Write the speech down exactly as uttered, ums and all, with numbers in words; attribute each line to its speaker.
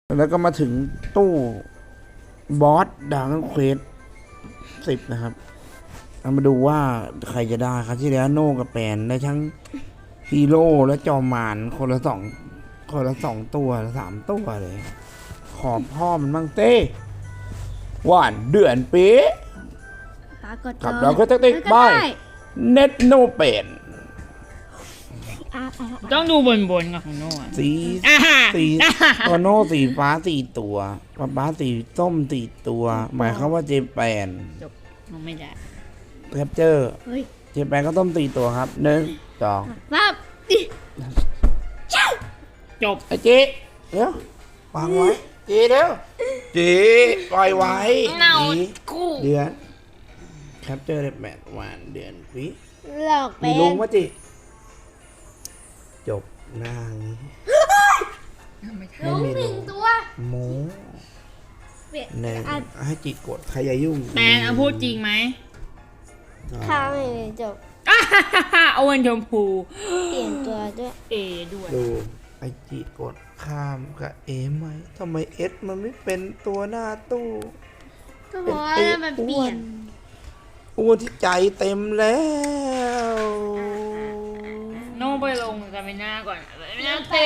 Speaker 1: แล้วก็มาถึงตู้บอสดาร์กเควสสิบนะครับเอามาดูว่าใครจะได้ครับที่แล้วโน่กับแปนได้ทั้งฮีโร่และจอมมารคนละสองคนละสองตัวสามตัวเลย ขอพ่อมันบ้างเต้หวานเดือนเป๊ะ
Speaker 2: ปรากฏ
Speaker 1: กับเราก็จะติดบายเน็ตโนเป็น
Speaker 2: อ่ะอ่ะอ่ะ
Speaker 3: ต้องดูบนบนๆกับของโน่อะ
Speaker 1: สี
Speaker 3: อ่าฮะ
Speaker 1: สีตัวโน่สีฟ้าสี่ตัวป๊าป๊าสีส้มสี่ตัว หมายความว่าเจแปน
Speaker 3: จบน้องไม่ได้
Speaker 1: แคปเจอร์
Speaker 2: เฮ้ย
Speaker 1: เจแปนก็ต้มสี่ตัวครับหนึ่งสอง
Speaker 2: ปั๊บ
Speaker 3: จบ
Speaker 1: ไอ้เจ๊เดี๋ยววางไว้เจ๊เดี๋ยวเจ๊ปล่อยไว้
Speaker 3: เน่า
Speaker 1: จี
Speaker 3: คู่
Speaker 1: เดือนแคปเจอร์ได้แปดวันเดือนวิ
Speaker 2: หลอก
Speaker 1: มี
Speaker 2: เป็น
Speaker 1: ลุงวะจิจบนางนี้
Speaker 2: ลุงหนึ่งตัว
Speaker 1: โม
Speaker 2: เปลี่ยน
Speaker 1: หนึ่ง
Speaker 2: อ่ะ
Speaker 1: ให้จิกดใครอย่ายุ่ง
Speaker 3: แปนเอาพูดจริงไหม
Speaker 2: ข้าวไม่เลยจบ
Speaker 3: อ่าฮ่าฮ่าฮ่าเอาวันชมพู
Speaker 2: เปลี่ยนตัวด้วย
Speaker 3: เอด้วย
Speaker 1: ดูไอจิกดข้ามกับเอไหมทำไมเอสมันไม่เป็นตัวหน้าตู้
Speaker 2: ก็เพราะว่ามันเปลี่ยน
Speaker 1: อ้วนที่ใจเต็มแล้ว
Speaker 3: โน่ไปลงสตามิน่าก่อนสตามิน่าเต็ม